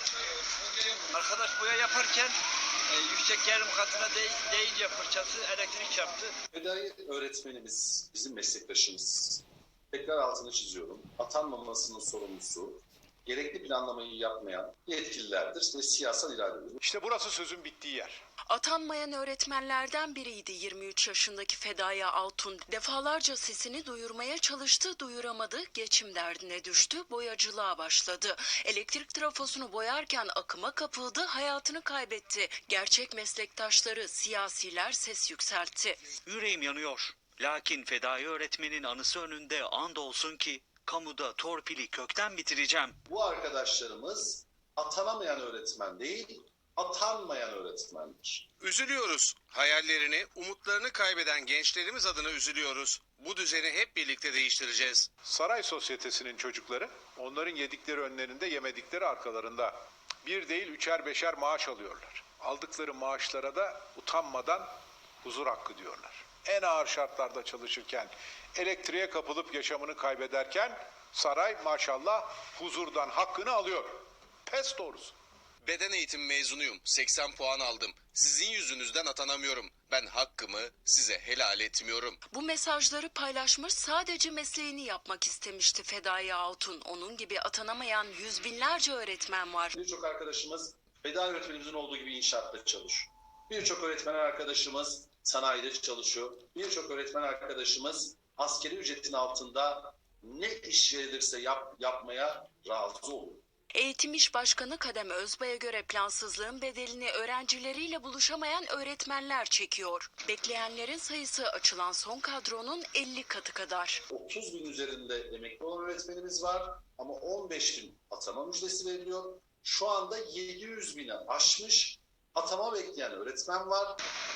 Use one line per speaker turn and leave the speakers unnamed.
Arkadaş boya yaparken yüksek gerilim katına değince fırçası elektrik çarptı.
Fedai öğretmenimiz, bizim meslektaşımız. Tekrar altını çiziyorum. Atanmamasının sorumlusu, gerekli planlamayı yapmayan yetkililerdir ve siyasal iradedir.
İşte burası sözün bittiği yer.
Atanmayan öğretmenlerden biriydi 23 yaşındaki Fedai Altun. Defalarca sesini duyurmaya çalıştı, duyuramadı, geçim derdine düştü, boyacılığa başladı. Elektrik trafosunu boyarken akıma kapıldı, hayatını kaybetti. Gerçek meslektaşları, siyasiler ses yükseltti.
Yüreğim yanıyor. Lakin fedai öğretmenin anısı önünde andolsun ki kamuda torpili kökten bitireceğim.
Bu arkadaşlarımız atanamayan öğretmen değil, atanmayan öğretmendir.
Üzülüyoruz. Hayallerini, umutlarını kaybeden gençlerimiz adına üzülüyoruz. Bu düzeni hep birlikte değiştireceğiz.
Saray sosyetesinin çocukları onların yedikleri önlerinde, yemedikleri arkalarında. Bir değil üçer beşer maaş alıyorlar. Aldıkları maaşlara da utanmadan huzur hakkı diyorlar. En ağır şartlarda çalışırken, elektriğe kapılıp yaşamını kaybederken saray maşallah huzurdan hakkını alıyor. Pes doğrusu.
Beden eğitim mezunuyum. 80 puan aldım. Sizin yüzünüzden atanamıyorum. Ben hakkımı size helal etmiyorum.
Bu mesajları paylaşmış, sadece mesleğini yapmak istemişti Fedai Altun. Onun gibi atanamayan yüz binlerce öğretmen var.
Birçok arkadaşımız fedai öğretmenimizin olduğu gibi inşaatta çalışıyor. Birçok öğretmen arkadaşımız sanayide çalışıyor. Birçok öğretmen arkadaşımız askeri ücretin altında ne iş verilirse yapmaya razı oluyor.
Eğitim İş Başkanı Kadem Özbay'a göre plansızlığın bedelini öğrencileriyle buluşamayan öğretmenler çekiyor. Bekleyenlerin sayısı açılan son kadronun 50 katı kadar.
30 bin üzerinde emekli olan öğretmenimiz var ama 15 bin atama müjdesi veriliyor. Şu anda 700 bini aşmış atama bekleyen öğretmen var.